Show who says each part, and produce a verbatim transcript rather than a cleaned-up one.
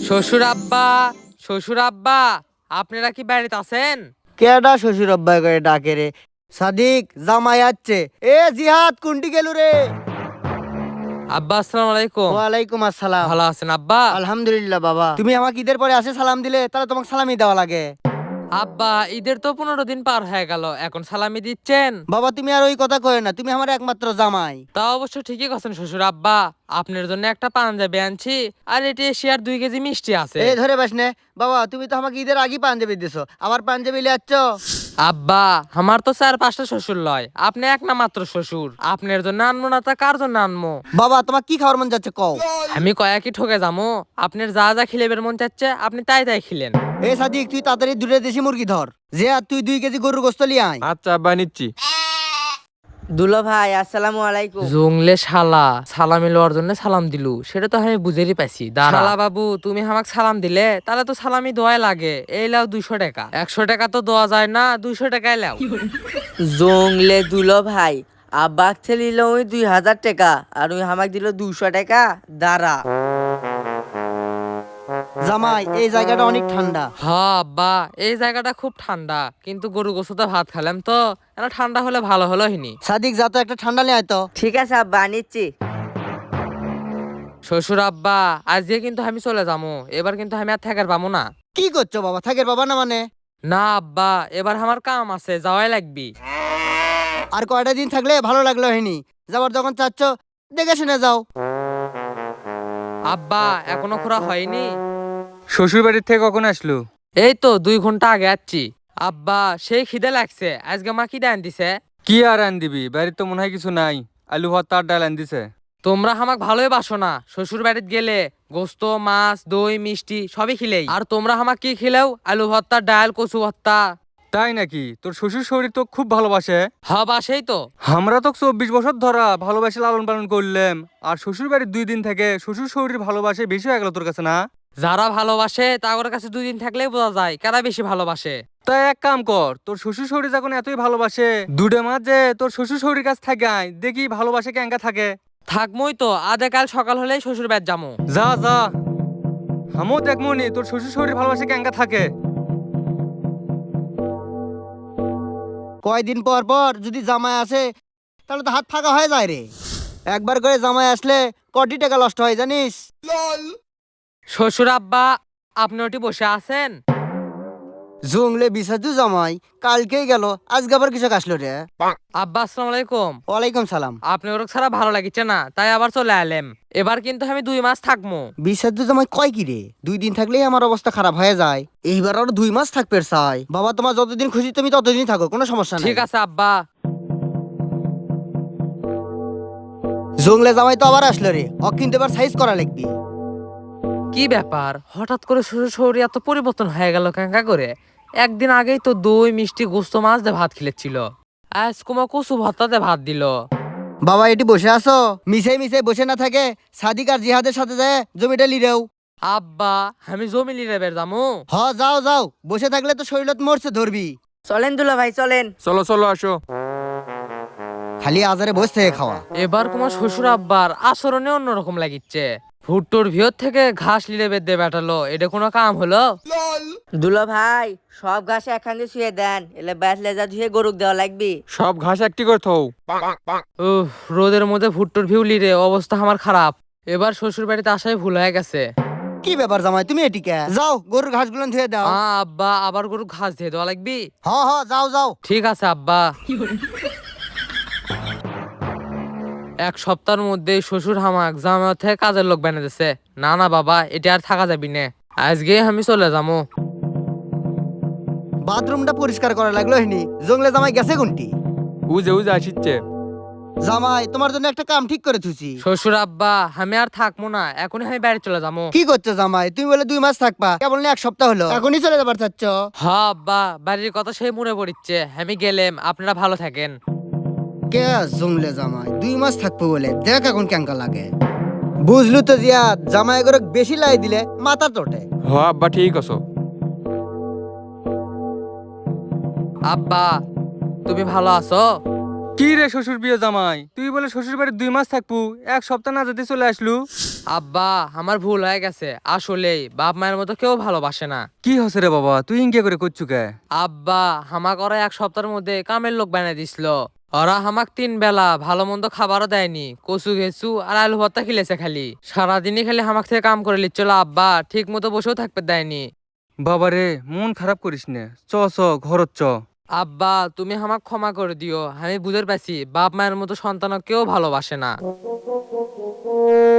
Speaker 1: শ্বশুর আব্বা, শ্বশুর আব্বা, আপনারা কি বাড়িতে আছেন?
Speaker 2: কেডা শ্বশুর আব্বা করে ডাকে রে? সাদিক জামাই যাচ্ছে। এ জিহাদ কুন্টি গেলু রে?
Speaker 1: আব্বা আসসালামু আলাইকুম।
Speaker 2: ওয়ালাইকুম আসসালাম।
Speaker 1: ভালো আছেন আব্বা?
Speaker 2: আলহামদুলিল্লাহ বাবা। তুমি আমাকে ঈদের পরে আসে সালাম দিলে, তাহলে তোমাকে সালামি দেওয়া লাগে।
Speaker 1: আব্বা ঈদের তো পনেরো দিন পার হয়ে গেল, এখন সালামি দিচ্ছেন?
Speaker 2: বাবা তুমি আর ওই কথা কয় না, তুমি আমার একমাত্র জামাই।
Speaker 1: তা অবশ্য ঠিকই কথা শ্বশুর আব্বা, আপনার জন্য একটা পাঞ্জাবি আনছি, আর এটি এশিয়ার দুই কেজি মিষ্টি আছে।
Speaker 2: এই ধরে বাসনে বাবা, তুমি তো আমাকে ঈদের আগে পাঞ্জাবি দিছো, আবার পাঞ্জাবি লিয়ে আসছো।
Speaker 1: আব্বা আমার তো চার পাঁচটা শ্বশুর লয়, আপনি এক না মাত্র শ্বশুর, আপনার জন্য আনবো না তা কার জন্য আনবো?
Speaker 2: বাবা তোমার কি খাওয়ার মন যাচ্ছে কও?
Speaker 1: আমি কয়েকই ঠকে যাবো, আপনার যা যা খিলেবের মন চাচ্ছে আপনি তাই তাই খিলেন।
Speaker 2: এ সাদিক তুই তাড়াতাড়ি দুটো দেশি মুরগি ধর। যে আর তুই দুই কেজি গরুর গোস্ত লিয়ে আয়।
Speaker 3: আচ্ছা আব্বা নিচ্ছি।
Speaker 4: দুলো ভাই আসসালামু আলাইকুম।
Speaker 1: জংলে শালা সালামি লওয়ার জন্য সালাম দিলু, সেটা তো আমি বুঝেরই পাইছি। শালা বাবু তুমি আমাকে সালাম দিলে তাহলে তো সালামি দোয়াই লাগে। এই লাও দুইশো টাকা, একশো টাকা তো দেওয়া যায় না, দুইশো টাকায় লাও।
Speaker 4: জংলে দুলো ভাই, আব্বাক ছেলিল ওই দুই হাজার টাকা আর ওই হামাক দিল দুশো টাকা। দাঁড়া
Speaker 2: জামাই এই জায়গাটা অনেক ঠান্ডা।
Speaker 1: হ্যাঁ আব্বা এই জায়গাটা খুব ঠান্ডা, কিন্তু গরু গোসুতে ভাত খালাম তো, এটা ঠান্ডা হলে ভালো হলো হিনি।
Speaker 2: সাদিক যা তো একটা ঠান্ডা নিয়ে আয় তো।
Speaker 4: ঠিক আছে আব্বা নিচ্ছি।
Speaker 1: শ্বশুর আব্বা আজকে কিন্তু আমি চলে যাবো, এবার কিন্তু আমি আর থাকার পাবো না।
Speaker 2: কি করছো বাবা? থাকের বাবা না মানে?
Speaker 1: না আব্বা এবার আমার কাম আছে, যাওয়াই লাগবি।
Speaker 2: আর কয়টা দিন থাকলে ভালো লাগলো হয়নি, যাবার যখন চাচ্ছ দেখে শুনে যাও।
Speaker 1: আব্বা এখনো খোরা হয়নি।
Speaker 3: শ্বশুর বাড়ির থেকে কখন আসলো?
Speaker 1: এই তো দুই ঘন্টা আগে আসছি। আব্বা সেই খিদে লাগছে, আজকে মা কি ডান দিছে?
Speaker 3: কি আর আন দিবি, বাড়ির তো মনে হয় কিছু নাই। আলু ভর্তা আর ডাল আন দিছে।
Speaker 1: তোমরা আমাক ভালোই বাসো না, শ্বশুর বাড়িতে গেলে গোস্ত মাছ দই মিষ্টি সবই খিলেই, আর তোমরা আমাক কি খিলেও? আলু ভর্তা ডাল কচু ভর্তা।
Speaker 3: তাই নাকি? তোর শ্বশুর শরীর তো খুব ভালোবাসে।
Speaker 1: হ্যাঁ বাসেই তো।
Speaker 3: আমরা তো চব্বিশ বছর ধরা ভালোবাসে লালন পালন করলাম, আর শ্বশুর বাড়ির দুই দিন থেকে শ্বশুর শরীর ভালোবাসে বেশি হয়ে গেল তোর কাছে না?
Speaker 1: যারা ভালোবাসে তাদের কাছে দুই দিন থাকলেই বোঝা যায় কারা বেশি ভালোবাসে।
Speaker 3: তাই এক কাম কর, তোর শ্বশুর শরীর যখন এতই ভালোবাসে, দুটো মাস যে তোর শ্বশুর শরীর কাছে থাকে আয়, দেখি ভালোবাসে ক্যাঙ্গা থাকে।
Speaker 1: থাকমই তো, আধে কাল সকাল হলেই শ্বশুর বাড়ি যাবো।
Speaker 3: যা যা, আমিও দেখবো নি তোর শ্বশুর শরীর ভালোবাসে ক্যাঙ্গা থাকে।
Speaker 2: কয়দিন পর পর যদি জামাই আসে তাহলে তো হাত ফাঁকা হয়ে যায় রে। একবার করে জামাই আসলে কোটি টাকা নষ্ট হয় জানিস।
Speaker 1: শ্বশুর আব্বা আপনি ওটি বসে আছেন?
Speaker 2: জংলে বিসাজু জামাই কালকেই গেল, আজকে আবার কিছু আসলো রে।
Speaker 1: আব্বা আসসালামু আলাইকুম।
Speaker 2: ওয়ালাইকুম সালাম।
Speaker 1: আপনি ওর ছাড়া ভালো লাগিচ্ছে না, তাই আবার চলে এলাম। এবার কিন্তু আমি দুই মাস থাকবো।
Speaker 2: বিসাজু জামাই কয় কি রে? দুই দিন থাকলেই আমার অবস্থা খারাপ হয়ে যায়, এইবার আরো দুই মাস থাকবে চাই। বাবা তোমার যতদিন খুশি তুমি ততদিন থাকো, কোনো সমস্যা নেই।
Speaker 1: ঠিক আছে আব্বা।
Speaker 2: জংলে জামাই তো আবার আসলো রে, ও কিন্তু এবার সাইজ করা লাগবে।
Speaker 1: কি ব্যাপার, হঠাৎ করে শ্বশুর শরীর এত পরিবর্তন হয়ে গেল কাঙ্কা করে? একদিন আগেই তো দই মিষ্টি গোস্ত মাছ দিয়ে ভাত খেলেছিল, আজ কুমা কচু ভর্তাতে ভাত দিল।
Speaker 2: বাবা এটি বসে আছো, মিশাই মিশাই বসে না থাকে সাদিক আর জিহাদের সাথে যায় জমিটা লিরেও।
Speaker 1: আব্বা আমি জমি লিরে বের যামু।
Speaker 2: হ যাও যাও, বসে থাকলে তো শরীরত মরছে ধরবি।
Speaker 4: চলেন দুলো ভাই চলেন।
Speaker 3: চলো চলো আসো।
Speaker 2: খালি আজারে বসে থেকে খাওয়া।
Speaker 1: এবার কুমার শ্বশুর আব্বার আচরণে অন্যরকম লাগিচ্ছে। ভুট্টোর ভিতর থেকে ঘাস লিরে বের দিয়ে বেটালো, এটা কোনো কাম হলো?
Speaker 4: দুলো ভাই সব ঘাস এখান দিয়ে শুয়ে দেন, এলে ব্যাস লেজা ধুয়ে গরুক দেওয়া লাগবে।
Speaker 3: সব ঘাস একটি করে থও।
Speaker 1: উহ, রোদের মধ্যে ভুট্টোর ভিউ লিরে অবস্থা আমার খারাপ। এবার শ্বশুর বাড়িতে আসাই ভুল হয়ে গেছে।
Speaker 2: কি ব্যাপার জামাই তুমি এটিকে যাও গরুর ঘাসগুলো ধুয়ে দাও।
Speaker 1: আ, আব্বা আবার গরু ঘাস দিয়ে দেওয়া লাগবি?
Speaker 2: হ হ যাও যাও।
Speaker 1: ঠিক আছে আব্বা। এক সপ্তাহের মধ্যে শ্বশুর হামাক জামা থেকে কাজের লোক বানিয়ে দিছে। না না বাবা এটা আর থাকা যাবি না, আজকে আমি চলে যাবো।
Speaker 2: বাথরুমটা পরিষ্কার করা লাগলো হয়নি, জংলে জামাই গেছে কোনটি?
Speaker 3: উজে উজে আসিচ্ছে।
Speaker 2: জামাই তোমার জন্য একটা কাম ঠিক করে থুছি।
Speaker 1: শ্বশুর আব্বা আমি আর থাকবো না, এখনই আমি বাড়ি চলে যাবো।
Speaker 2: কি করছো জামাই? তুমি বলে দুই মাস থাকবা, কেবল না এক সপ্তাহ হলো, এখনই চলে যাবার চাচ্ছ?
Speaker 1: হ্যাঁ আব্বা বাড়ির কথা সেই মনে পড়ছে, আমি গেলেম, আপনারা ভালো থাকেন।
Speaker 2: কে জংলে জামাই দুই মাস থাকবো বলে দেখ এখন কেঙ্কা লাগে। বুঝলু তো জিয়াদ, জামাই করে বেশি লাই দিলে মাথা তোটে।
Speaker 3: হ আব্বা ঠিক আছো।
Speaker 1: আব্বা তুমি ভালো আছো?
Speaker 3: কি রে শ্বশুর বিয়ে জামাই, তুই বলে শ্বশুর বাড়ি দুই মাস থাকবো, এক সপ্তাহ না যদি চলে আসলু।
Speaker 1: আব্বা আমার ভুল হয়ে গেছে, আসলেই বাপ মায়ের মতো কেউ ভালোবাসে না।
Speaker 3: কি হচ্ছে রে বাবা, তুই ইনকে করে করছু কে?
Speaker 1: আব্বা হামাক ওরা এক সপ্তাহের মধ্যে কামের লোক বানিয়ে দিছিল। ওরা হামাক তিন বেলা ভালো মন্দ খাবারও দেয়নি, কচু ঘেঁচু আর আলু ভর্তা খিলেছে খালি। সারাদিনই খালি হামাক থেকে কাম করে লিচ্ছিল আব্বা, ঠিক মতো বসেও থাকতে দেয়নি।
Speaker 3: বাবারে মন খারাপ করিস নে, চ চ ঘরত চ।
Speaker 1: আব্বা তুমি আমাকে ক্ষমা করে দিও, আমি বুঝতে পারছি বাপ মায়ের মতো সন্তান কেউ ভালোবাসে না।